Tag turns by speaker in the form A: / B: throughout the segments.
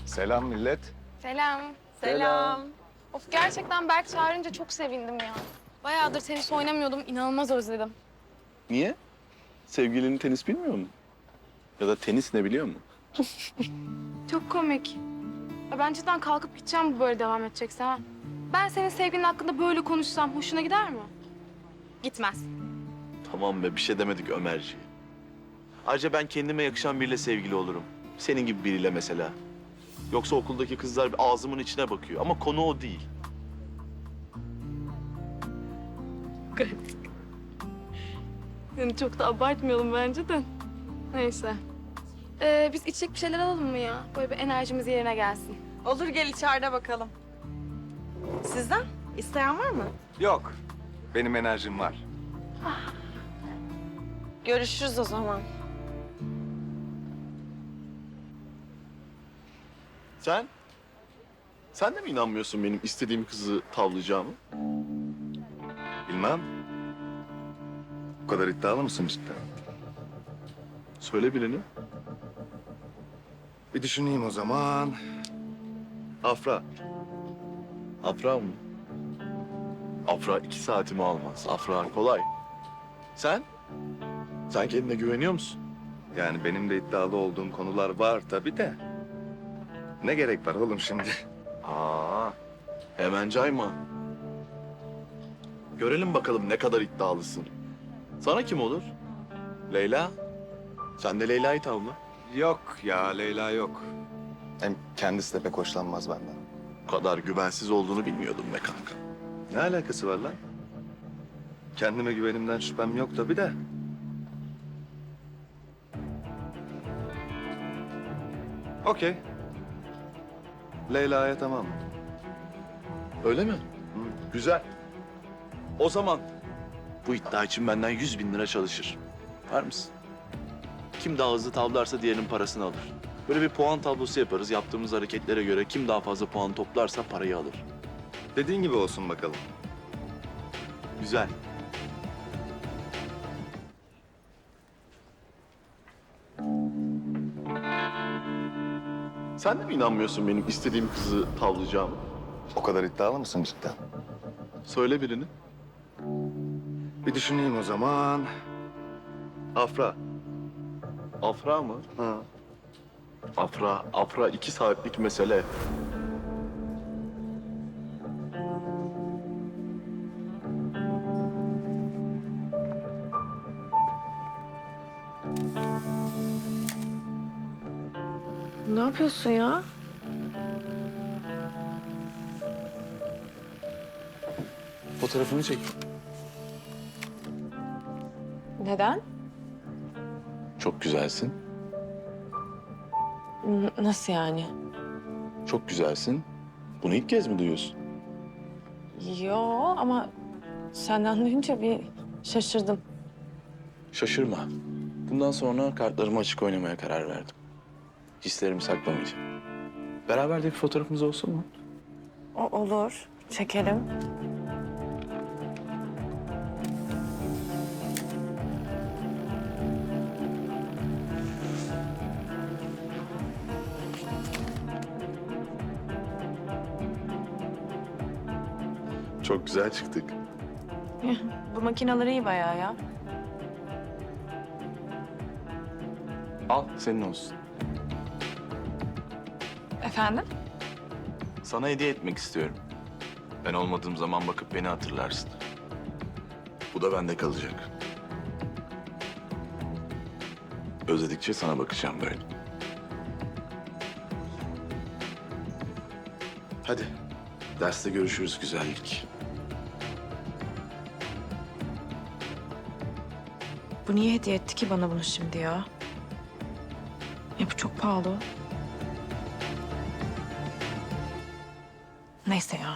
A: Selam millet.
B: Selam.
C: Selam.
B: Of gerçekten Berk çağırınca çok sevindim ya. Bayağıdır tenis oynamıyordum, inanılmaz özledim.
C: Niye? Sevgilinin tenis bilmiyor mu? Ya da tenis ne biliyor mu?
B: Çok komik. Ya ben cidden kalkıp gideceğim bu böyle devam edecekse ha. Ben senin sevgilin hakkında böyle konuşsam hoşuna gider mi? Gitmez.
C: Tamam be, bir şey demedik Ömerciğim. Ayrıca ben kendime yakışan biriyle sevgili olurum. Senin gibi biriyle mesela. Yoksa okuldaki kızlar ağzımın içine bakıyor ama konu o değil.
B: Yani çok da abartmayalım bence de. Neyse. Biz içecek bir şeyler alalım mı ya? Böyle bir enerjimiz yerine gelsin.
D: Olur gel içeride bakalım. Sizden? İsteyen var mı?
A: Yok, benim enerjim var.
D: Görüşürüz o zaman.
C: Sen? Sen de mi inanmıyorsun benim istediğim kızı tavlayacağımı?
A: Bilmem. Bu kadar iddialı mısın cidden?
C: Söyle birini.
A: Bir düşüneyim o zaman. Afra.
C: Afra mı? Afra 2 saatimi almaz. Afra kolay. Sen? Sen kendine güveniyor musun?
A: Yani benim de iddialı olduğum konular var tabii de. Ne gerek var oğlum şimdi?
C: Aa, hemen cayma. Görelim bakalım ne kadar iddialısın. Sana kim olur? Leyla? Sen de Leyla'yı tavla.
A: Yok ya, Leyla yok. Hem kendisi de pek hoşlanmaz benden.
C: Bu kadar güvensiz olduğunu bilmiyordum be kanka.
A: Ne alakası var lan? Kendime güvenimden şüphem yok tabii de. Okey. Leyla'ya tamam.
C: Öyle mi? Güzel. O zaman bu iddia için benden 100.000 lira çalışır. Var mısın? Kim daha hızlı tavlarsa diğerinin parasını alır. Böyle bir puan tablosu yaparız. Yaptığımız hareketlere göre kim daha fazla puan toplarsa parayı alır.
A: Dediğin gibi olsun bakalım.
C: Güzel. Sen de mi inanmıyorsun benim istediğim kızı tavlayacağımı?
A: O kadar iddialı mısın cidden?
C: Söyle birini.
A: Bir düşüneyim o zaman. Afra.
C: Afra mı?
A: Ha.
C: Afra 2 saatlik mesele.
D: Ne yapıyorsun ya?
C: Fotoğrafını çek.
D: Neden?
C: Çok güzelsin.
D: Nasıl yani?
C: Çok güzelsin. Bunu ilk kez mi duyuyorsun?
D: Yo ama senden duyunca bir şaşırdım.
E: Şaşırma. Bundan sonra kartlarımı açık oynamaya karar verdim. Hislerimi saklamayacağım. Beraber de bir fotoğrafımız olsun mu?
D: Olur. Çekelim.
C: Çok güzel çıktık.
D: Bu makineler iyi bayağı ya.
E: Al, senin olsun.
D: Efendim?
E: Sana hediye etmek istiyorum. Ben olmadığım zaman bakıp beni hatırlarsın.
C: Bu da bende kalacak.
E: Özledikçe sana bakacağım böyle.
C: Hadi. Derste görüşürüz güzellik.
D: Bu niye hediye etti ki bana bunu şimdi ya? Bu çok pahalı. Neyse ya.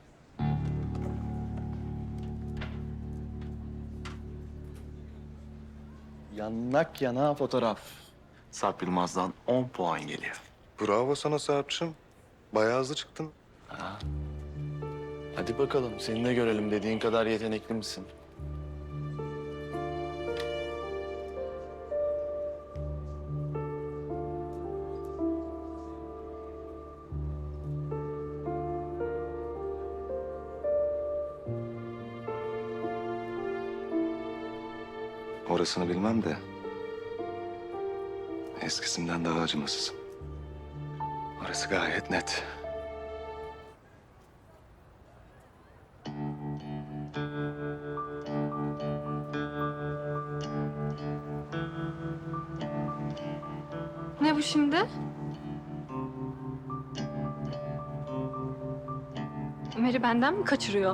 E: Yanak yana fotoğraf. Sarp Yılmaz'dan 10 puan geliyor.
A: Bravo sana Sarp'cığım. Bayağı hızlı çıktın.
E: Hadi bakalım, seni de görelim. Dediğin kadar yetenekli misin?
A: orasını bilmem de... eskisinden daha acımasızım. Orası gayet net.
B: Ne bu şimdi?
F: Ömer'i benden mi kaçırıyor?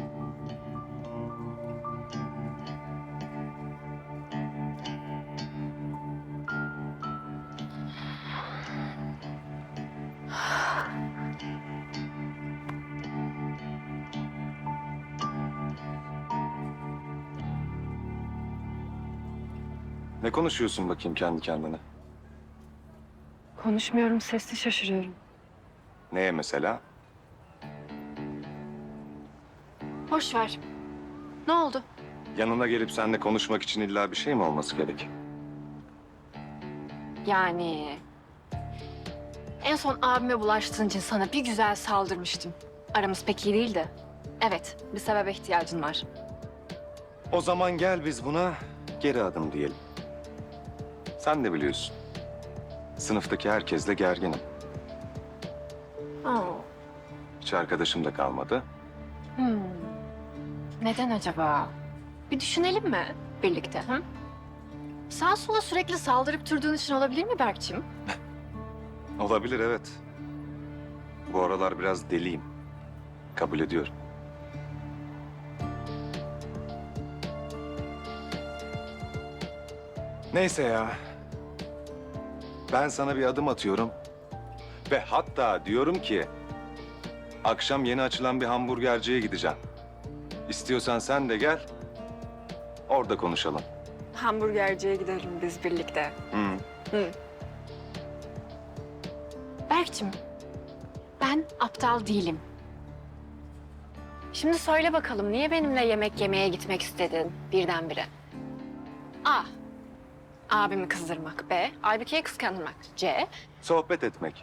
A: Ne konuşuyorsun bakayım kendi kendine?
F: Konuşmuyorum, sesli şaşırıyorum.
A: Neye mesela?
F: Boş ver. Ne oldu?
A: Yanına gelip seninle konuşmak için illa bir şey mi olması gerek?
F: Yani... En son abime bulaştığın için sana bir güzel saldırmıştım. Aramız pek iyi değildi. Evet, bir sebebe ihtiyacın var.
A: O zaman gel biz buna geri adım diyelim. Sen de biliyorsun. Sınıftaki herkesle gerginim.
F: Aa,
A: Hiç arkadaşım da kalmadı.
F: Neden acaba? Bir düşünelim mi birlikte? Hı? Sağa sola sürekli saldırıp durduğun için olabilir mi Berk'cim?
A: Olabilir, evet. Bu aralar biraz deliyim. Kabul ediyorum. Neyse ya. Ben sana bir adım atıyorum. Ve hatta diyorum ki... akşam yeni açılan bir hamburgerciye gideceğim. İstiyorsan sen de gel. Orada konuşalım.
F: Hamburgerciye gidelim biz birlikte.
A: Hı.
F: Berk'cim, ben aptal değilim. Şimdi söyle bakalım niye benimle yemek yemeye gitmek istedin birdenbire? A. Abimi kızdırmak. B. Aybüke'yi kıskandırmak. C.
A: Sohbet etmek.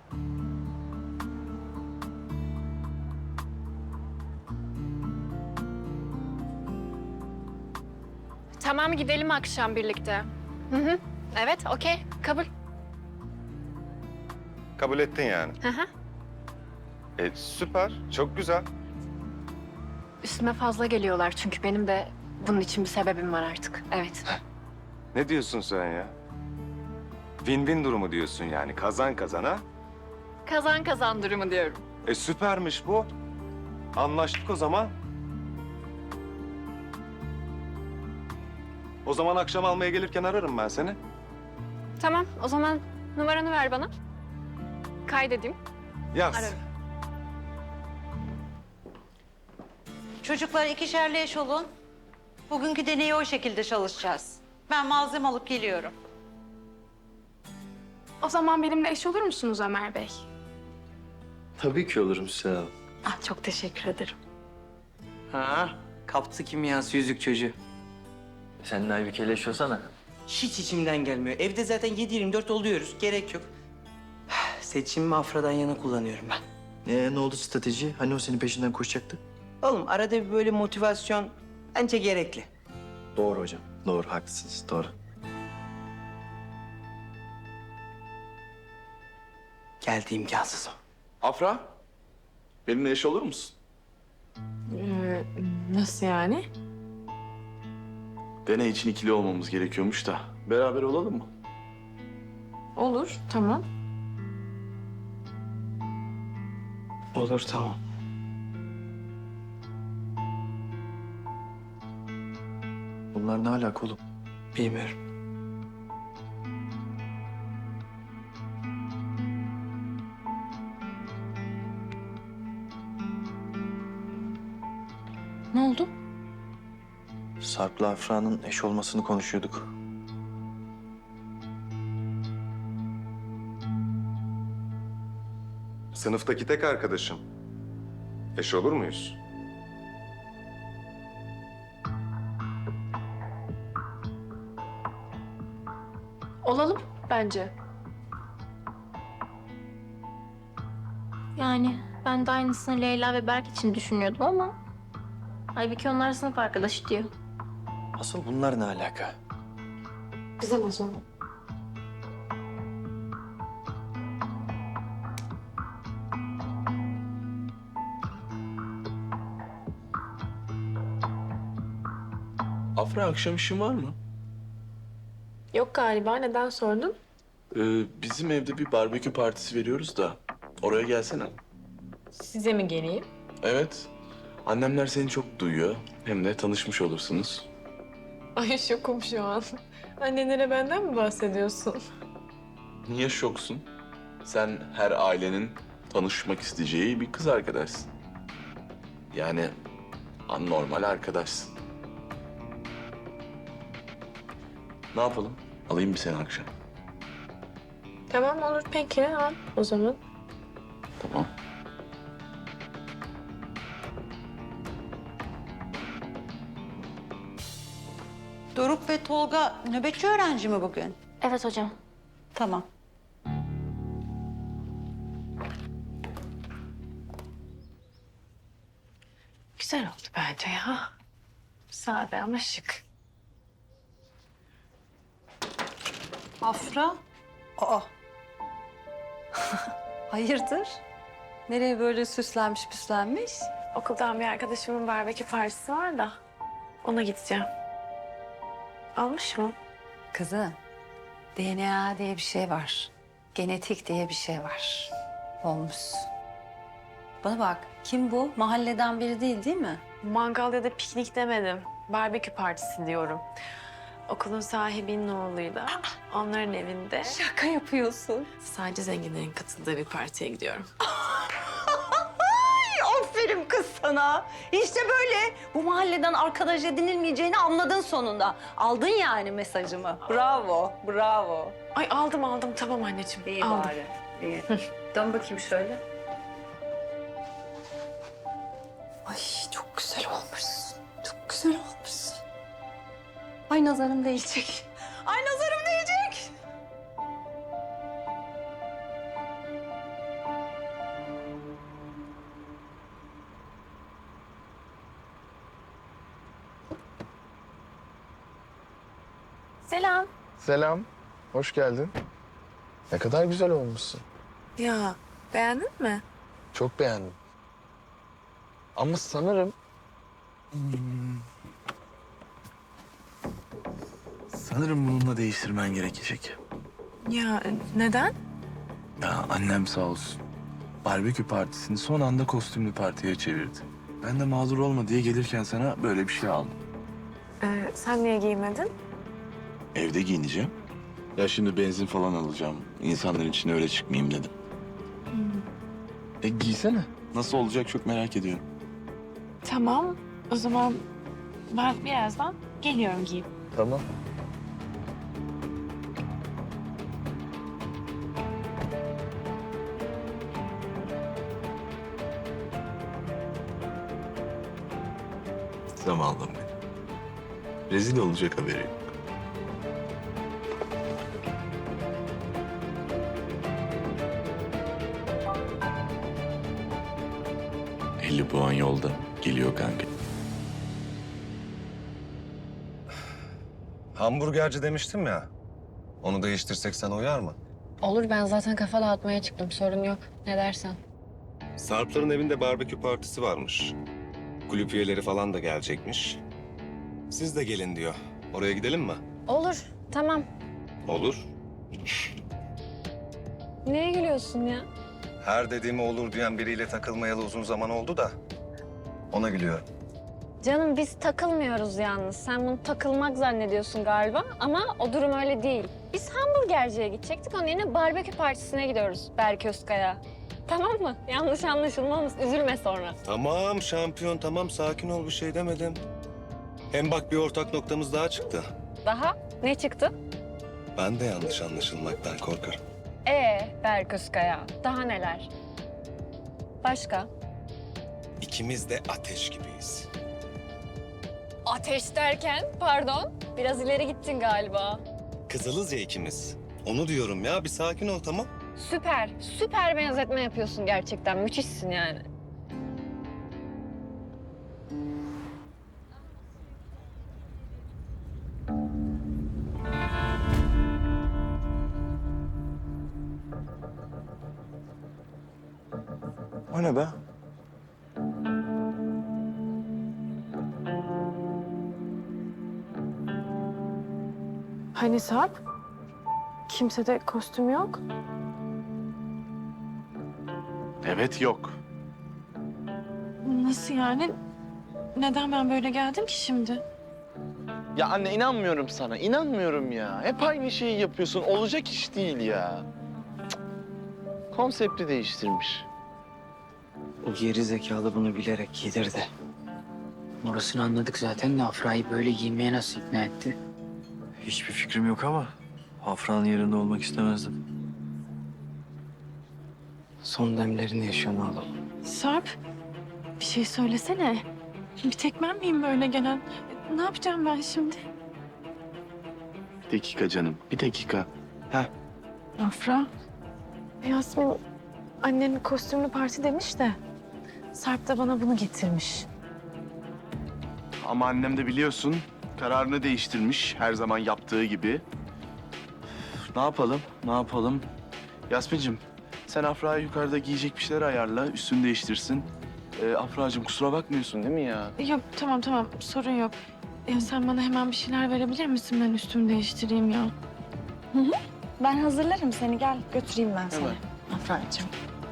F: Tamam gidelim akşam birlikte. Hı. Evet, okey. Kabul.
A: Kabul ettin yani.
F: Hı hı.
A: Süper, çok güzel.
F: Üstüme fazla geliyorlar çünkü benim de bunun için bir sebebim var artık. Evet.
A: Ne diyorsun sen ya? Win-win durumu diyorsun yani. Kazan kazana.
F: Kazan kazan durumu diyorum.
A: Süpermiş bu. Anlaştık o zaman. O zaman akşam almaya gelirken ararım ben seni.
F: Tamam, o zaman numaranı ver bana. Kaydedeyim.
A: Yaz.
F: Ararım.
G: Çocuklar ikişerli eş olun. Bugünkü deneyi o şekilde çalışacağız. Ben malzeme alıp geliyorum.
B: O zaman benimle eş olur musunuz Ömer Bey?
H: Tabii ki olurum Süsen.
B: Ah, çok teşekkür ederim.
I: Ha, kaptı kimyası yüzük çocuğu.
H: Seninle Aybüke'yle yaşıyorsana.
I: Hiç içimden gelmiyor. Evde zaten 7/24 oluyoruz. Gerek yok. Seçimimi Afra'dan yana kullanıyorum ben.
H: Ne oldu strateji? Hani o senin peşinden koşacaktı?
I: Oğlum arada bir böyle motivasyon bence gerekli.
H: Doğru hocam. Doğru, haklısınız. Doğru.
I: Geldi imkansız o.
C: Afra, benimle eş olur musun?
D: Nasıl yani?
C: Deney için ikili olmamız gerekiyormuş da. Beraber olalım mı?
D: Olur, tamam.
I: Olur tamam.
H: Bunlar ne alaka oğlum?
I: Bilmiyorum.
D: Ne oldu?
H: Sarp'la Afra'nın eş olmasını konuşuyorduk.
A: Sınıftaki tek arkadaşım. Eş olur muyuz?
F: Olalım bence.
J: Yani ben de aynısını Leyla ve Berk için düşünüyordum ama... Halbuki onlar sınıf arkadaşı diyor.
H: Asıl bunlar ne alaka?
F: Güzel o zaman.
E: Afra, akşam işin var mı?
D: Yok galiba. Neden sordun?
E: Bizim evde bir barbekü partisi veriyoruz da oraya gelsene.
D: Size mi geleyim?
E: Evet. Annemler seni çok duyuyor. Hem de tanışmış olursunuz.
D: Ay şokum şu an. Annenlere benden mi bahsediyorsun?
E: Niye şoksun? Sen her ailenin tanışmak isteyeceği bir kız arkadaşsın. Yani normal arkadaşsın. Ne yapalım? Alayım bir seni akşam.
D: Tamam olur peki al o zaman.
E: Tamam.
G: Doruk ve Tolga nöbetçi öğrenci mi bugün?
J: Evet hocam.
G: Tamam.
D: Güzel oldu bence ya. Sade ama şık.
G: Afra? Aa. Hayırdır? Nereye böyle süslenmiş püslenmiş?
D: Okuldan bir arkadaşımın barbekü partisi var da ona gideceğim. Almış mı?
G: Kızım, DNA diye bir şey var. Genetik diye bir şey var. Olmuş. Bana bak, kim bu? Mahalleden biri değil mi?
D: Mangal ya da piknik demedim. Barbekü partisi diyorum. Okulun sahibinin oğluyla onların evinde
G: Şaka yapıyorsun.
D: sadece zenginlerin katıldığı bir partiye gidiyorum.
G: Aferin kız sana. İşte böyle. Bu mahalleden arkadaş edinilmeyeceğini anladın sonunda. Aldın yani mesajımı. Bravo, bravo.
D: Ay aldım tamam anneciğim.
G: İyi
D: aldım.
G: bari. İyi. Dön bakayım şöyle. Ay çok güzel olmuşsun. Çok güzel olmuşsun. Ay nazarım değecek. Ay nazarım değecek.
D: Selam.
E: Selam. Hoş geldin. Ne kadar güzel olmuşsun.
D: Ya beğendin mi?
E: Çok beğendim. Ama sanırım... Sanırım bununla değiştirmen gerekecek.
D: Ya neden?
E: Ya annem sağ olsun. Barbekü partisini son anda kostümlü partiye çevirdi. Ben de mağdur olma diye gelirken sana böyle bir şey aldım.
D: Sen niye giymedin?
E: Evde giyineceğim. Ya şimdi benzin falan alacağım. İnsanların içine öyle çıkmayayım dedim. Giysene. Nasıl olacak çok merak ediyorum.
D: Tamam. O zaman ben birazdan geliyorum giyip.
E: Tamam. Zavallım benim. Rezil olacak haberi yok. ...50 puan yolda. Geliyor kanka.
A: Hamburgerci demiştim ya. Onu değiştirsek sana uyar mı?
F: Olur, ben zaten kafa dağıtmaya çıktım. Sorun yok. Ne dersen.
A: Sarpların evinde barbekü partisi varmış. Kulüp üyeleri falan da gelecekmiş. Siz de gelin diyor. Oraya gidelim mi?
F: Olur, tamam.
A: Olur.
F: Neye gülüyorsun ya?
A: Her dediğime olur diyen biriyle takılmayalı uzun zaman oldu da. Ona gülüyorum.
F: Canım biz takılmıyoruz yalnız. Sen bunu takılmak zannediyorsun galiba ama o durum öyle değil. Biz hamburgerciye gidecektik. Onun yerine barbekü partisine gidiyoruz Berk Özkaya. Tamam mı? Yanlış anlaşılmamız. Üzülme sonra.
A: Tamam şampiyon tamam sakin ol bir şey demedim. Hem bak bir ortak noktamız daha çıktı.
F: Daha? Ne çıktı?
A: Ben de yanlış anlaşılmaktan korkarım.
F: Berk Özkaya. Daha neler? Başka?
A: İkimiz de ateş gibiyiz.
F: Ateş derken, pardon. Biraz ileri gittin galiba.
A: Kızılız ya ikimiz. Onu diyorum ya bir sakin ol tamam.
F: Süper, süper benzetme yapıyorsun gerçekten. Müthişsin yani.
H: O ne be?
D: Hani Sarp? Kimsede kostüm yok.
C: Evet yok.
D: Nasıl yani? Neden ben böyle geldim ki şimdi?
E: Ya anne inanmıyorum sana. İnanmıyorum ya. Hep aynı şeyi yapıyorsun. Olacak iş değil ya. Cık. Konsepti değiştirmiş.
I: O geri zekalı bunu bilerek giydirdi. Orasını anladık zaten de Afra'yı böyle giymeye nasıl ikna etti?
H: Hiçbir fikrim yok ama Afra'nın yerinde olmak istemezdim.
I: Son demlerini yaşıyor oğlum.
D: Sarp, bir şey söylesene. Bir tek ben miyim böyle gelen? Ne yapacağım ben şimdi?
C: Bir dakika canım, bir dakika.
D: Afra. Yasmin, annenin kostümlü parti demiş de... Sarp da bana bunu getirmiş.
C: Ama annem de biliyorsun kararını değiştirmiş her zaman yaptığı gibi. Ne yapalım? Ne yapalım? Yasmin'cim sen Afra'ya yukarıda giyecek bir şeyler ayarla, üstünü değiştirsin. Afra'cığım kusura bakmıyorsun değil mi ya?
D: Yok, tamam, sorun yok. Ya sen bana hemen bir şeyler verebilir misin? Ben üstümü değiştireyim ya.
F: Ben hazırlarım seni. Gel götüreyim ben seni.
C: Hemen.
D: Afra'cığım.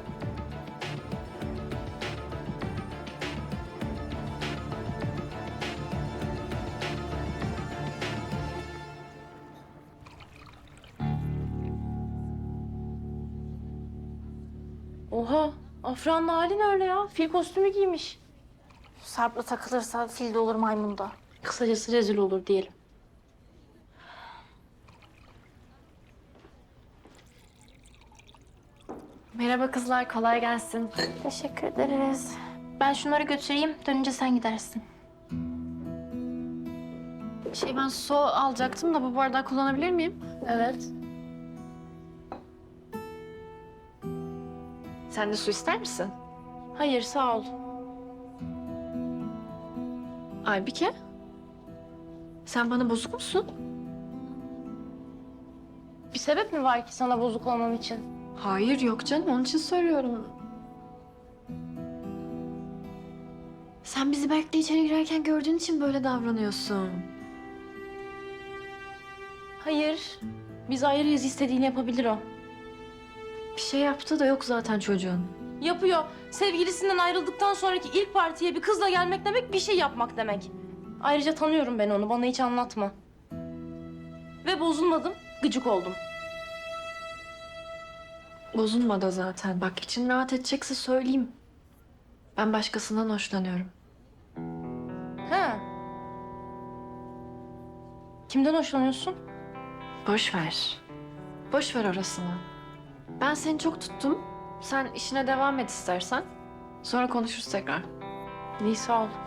J: Oha, Afra'nın hali ne öyle ya? Fil kostümü giymiş.
F: Sarp'la takılırsa fil de olur maymun da.
J: Kısacası rezil olur diyelim.
F: Merhaba kızlar, kolay gelsin. Teşekkür ederiz.
J: Ben şunları götüreyim, dönünce sen gidersin.
F: Ben su alacaktım da bu bardağı kullanabilir miyim?
J: Evet.
F: Sen de su ister misin?
J: Hayır, sağ ol.
F: Aybike, sen bana bozuk musun?
J: Bir sebep mi var ki sana bozuk olmam için?
F: Hayır, yok canım. Onun için soruyorum. Sen bizi Berk'le içeri girerken gördüğün için böyle davranıyorsun.
J: Hayır. Biz ayrıyız, istediğini yapabilir o.
F: Bir şey yaptı da yok zaten çocuğun.
J: Yapıyor. Sevgilisinden ayrıldıktan sonraki ilk partiye bir kızla gelmek demek bir şey yapmak demek. Ayrıca tanıyorum ben onu. Bana hiç anlatma. Ve bozulmadım. Gıcık oldum.
F: Bozulma da zaten. Bak için rahat edecekse söyleyeyim. Ben başkasından hoşlanıyorum.
J: Ha. Kimden hoşlanıyorsun?
F: Boş ver. Boş ver orasını. Ben seni çok tuttum. Sen işine devam et istersen. Sonra konuşuruz tekrar.
J: İyi, sağ ol.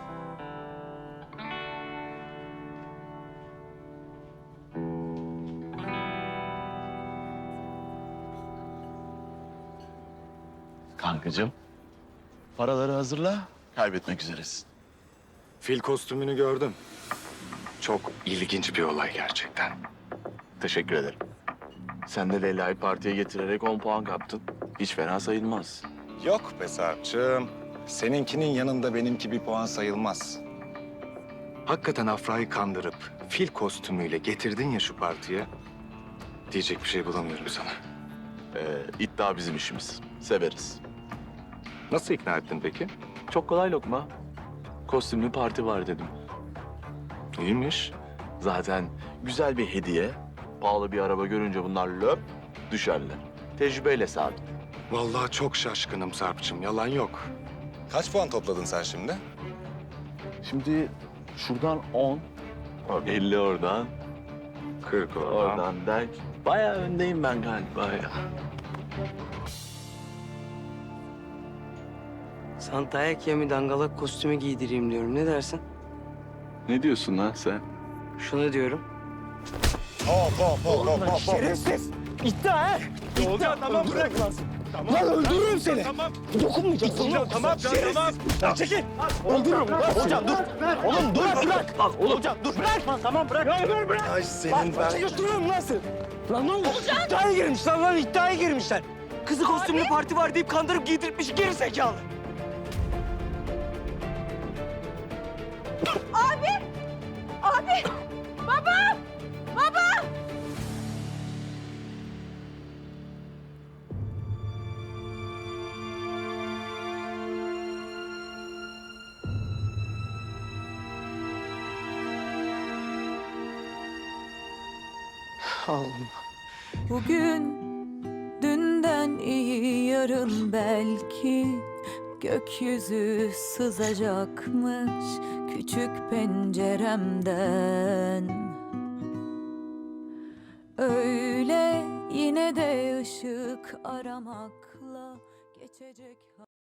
C: Kankacığım, paraları hazırla. Kaybetmek üzeresin.
A: Fil kostümünü gördüm. Çok ilginç bir olay gerçekten.
C: Teşekkür ederim. Sen de Leyla'yı partiye getirerek 10 puan kaptın. Hiç fena sayılmaz.
A: Yok be Sarp'cığım. Seninkinin yanında benimki bir puan sayılmaz. Hakikaten Afra'yı kandırıp fil kostümüyle getirdin ya şu partiye. Diyecek bir şey bulamıyorum sana.
C: İddia bizim işimiz. Severiz.
A: Nasıl ikna ettin peki?
C: Çok kolay lokma. Kostümlü parti var dedim.
A: İyiymiş.
C: Zaten güzel bir hediye. Pahalı bir araba görünce bunlar löp düşerler. Tecrübeyle sabit.
A: Vallahi çok şaşkınım Sarp'cığım. Yalan yok. Kaç puan topladın sen şimdi?
C: Şimdi şuradan 10, 50 oradan,
A: 40
C: oradan der. Bayağı öndeyim ben galiba ya.
I: Santa'ya mi dangalak kostümü giydireyim diyorum. Ne dersin?
C: Ne diyorsun lan sen?
I: Şunu diyorum.
K: Şerefsiz! İddia ha! İddia tamam bırak lan. Tamam, lan öldürürüm seni. Tamam. Dokunmayacaksın lan. Tamam tamam. Lan çekil. Öldürürüm. Hocam dur. Oğlum dur bırak. Hocam dur. Bırak. Tamam bırak. Bırak.
A: Ay senin
K: Bak götürüyorum lan seni. Lan ne oldu? İddiaya girmişler lan iddiaya girmişler. Kızı kostümlü parti var deyip kandırıp giydirtmiş geri zekalı.
B: Abi! Baba! Baba!
K: Allah'ım.
L: Bugün dünden iyi yarın belki gökyüzü sızacakmış küçük penceremden. Öyle yine de ışık aramakla geçecek.